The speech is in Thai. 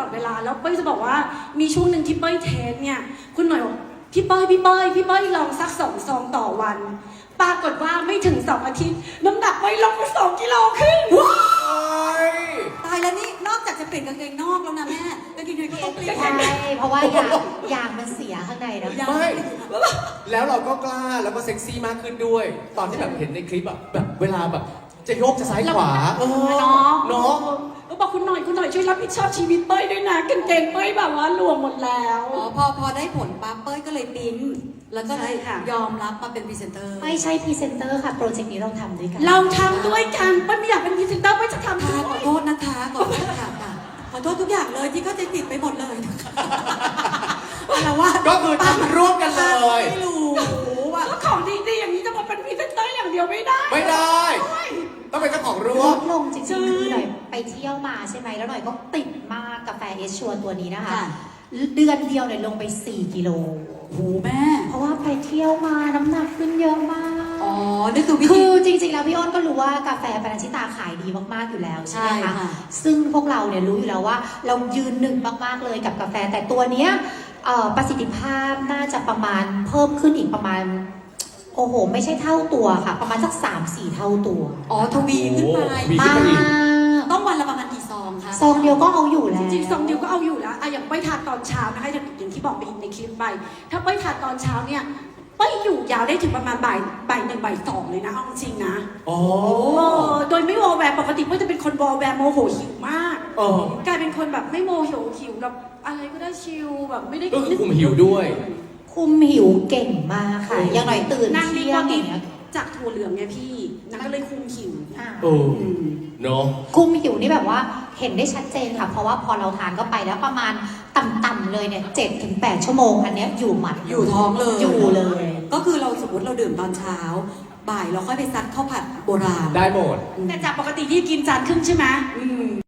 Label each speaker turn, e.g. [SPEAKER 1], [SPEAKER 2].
[SPEAKER 1] อดเวลาแล้วเป้ยจะบอกว่ามีช่วงหนึ่งที่เป้ยเทสเนี่ยคุณหน่อยบอกพี่เป้ยลองสัก2 ซองต่อวันปรากฏว่าไม่ถึง2 อาทิตย์น้ำหนักเป้ยลงไป2 กิโลขึ้น
[SPEAKER 2] ตายแล้วนี่นอกจากจะเปลี่ยนกางเกงนอกแล้วนะแม่กางเกงในก็ต้องเปลี่ยน
[SPEAKER 3] ใช่เพราะว่ายางมันเสียข้างในนะ
[SPEAKER 4] ไม่แล้วเราก็กล้าแล้วก็เซ็กซี่มากขึ้นด้วย ตอนที่แบบเห็นในคลิปแบบเวลาแบบจะโยกจะซ้ายขวา
[SPEAKER 1] เนาะ
[SPEAKER 4] เนาะ
[SPEAKER 1] ก็บอกคุณหน่อยช่วยรับผิดชอบชีวิตเป้ยด้วยนะกางเกงเป้ยแบบว่ารวมหมดแล้ว
[SPEAKER 2] พอได้ผลปั๊บเป้ยก็เลยปิ๊งแล้วก็เลยยอมรับมาเป็นพรีเซนเตอร์
[SPEAKER 3] ไม่ใช่พรีเซนเตอร์ค่ะโปรเจกต์นี้เราทำด้วยกัน
[SPEAKER 1] เราทำด้วยกันเป้ยไม่อยากเป็นพรีเซนเตอร์เป้ยจะทำด้วย
[SPEAKER 2] ขอโทษนะคะขอโทษค่ะขอโทษทุกอย่างเลยที่เข้าใจผิดไปหมดเลยอะไรว่า
[SPEAKER 4] ก็คือทำร่วมกันเลย
[SPEAKER 2] ไม่รู้ว่า
[SPEAKER 1] ก็ของดีๆอย่างนี้จะมาเป็นพรีเซนเตอร์อย่างเดียวไม่ได้
[SPEAKER 4] ไม่ได้ ต้องเป็นเจ้าของร่ว
[SPEAKER 3] ล
[SPEAKER 4] ม
[SPEAKER 3] ดลงจริงๆคือหน่อยไปเที่ยวมาใช่ไหมแล้วหน่อยก็ติดมากกาแฟเอชชัวตัวนี้นะคะเดือนเดียวเนี่ยลงไป4 กิโล
[SPEAKER 2] โหแม่
[SPEAKER 3] เพราะว่าไปเที่ยวมาน้ำหนักขึ้นเยอะมาก
[SPEAKER 2] อ๋อนี่คือวิธี
[SPEAKER 3] คือจริงๆแล้วพี่อ้นก็รู้ว่ากาแฟปานาชิตาขายดีมากๆอยู่แล้วใช่ไหม
[SPEAKER 2] ใช่
[SPEAKER 3] คะ
[SPEAKER 2] ค่ะ
[SPEAKER 3] ซึ่งพวกเราเนี่ยรู้อยู่แล้วว่าเรายืนหนึ่งมากๆเลยกับกาแฟแต่ตัวเนี้ยประสิทธิภาพน่าจะประมาณเพิ่มขึ้นอีกประมาณโอ้โหไม่ใช่เท่าตัวค่ะประมาณสัก 3-4 เท่าตัว
[SPEAKER 2] อ๋อทวีขึ้นไป
[SPEAKER 4] มี
[SPEAKER 3] มาก
[SPEAKER 2] ต้องวันละประมาณกี่ซองคะ
[SPEAKER 3] ซองเดียวก็เอาอยู่แล้ว
[SPEAKER 1] จริงๆซองเดียวก็เอาอยู่แล้วอะอย่างเป้ยทานตอนเช้านะคะอย่างที่บอกไปในคลิปไปถ้าเป้ยทานตอนเช้าเนี่ยเป้ยอยู่ยาวได้ถึงประมาณบ่าย1 บ่าย 2เลยนะเอาจริงนะ
[SPEAKER 4] อ๋อ
[SPEAKER 1] โดยไม่วอลแวร์ปกติเป้ยจะเป็นคนวอลแวร์โมโหหิวมาก
[SPEAKER 4] เออก
[SPEAKER 1] ลายเป็นคนแบบไม่โมโหหิวกับอะไรก็ได้ชิลแบบไม่ได้
[SPEAKER 4] ก็คือคุมหิวด้วย
[SPEAKER 3] คุมหิวเก่งมากค่ะอย่างหน่อยตื่น
[SPEAKER 1] นางมี
[SPEAKER 3] เที่
[SPEAKER 1] ค
[SPEAKER 3] ย
[SPEAKER 1] วาง ม
[SPEAKER 3] อ
[SPEAKER 1] คิด
[SPEAKER 3] ย่างเงี้ย
[SPEAKER 1] จากถั่วเหลืองไงพี่นางก็เลยคุมหิว
[SPEAKER 3] อ่า
[SPEAKER 4] เออเนาะ
[SPEAKER 3] คุมหิวนี่แบบว่าเห็นได้ชัดเจนค่ะ เพราะว่าพอเราทานเข้าไปแล้วประมาณต่ำๆเลยเนี่ย7-8 ชั่วโมงอันเนี้ยอยู่หมัด
[SPEAKER 2] อยู่ท้องเลย
[SPEAKER 3] อยู่เลย
[SPEAKER 2] ก็คือเราสมมติเราดื่มตอนเช้า บ่ายเราค่อยไปซัดข้าวผัดโบราณ
[SPEAKER 4] ได้หมด
[SPEAKER 1] แต่จากปกติที่กินจานครึ่งใช่ไหม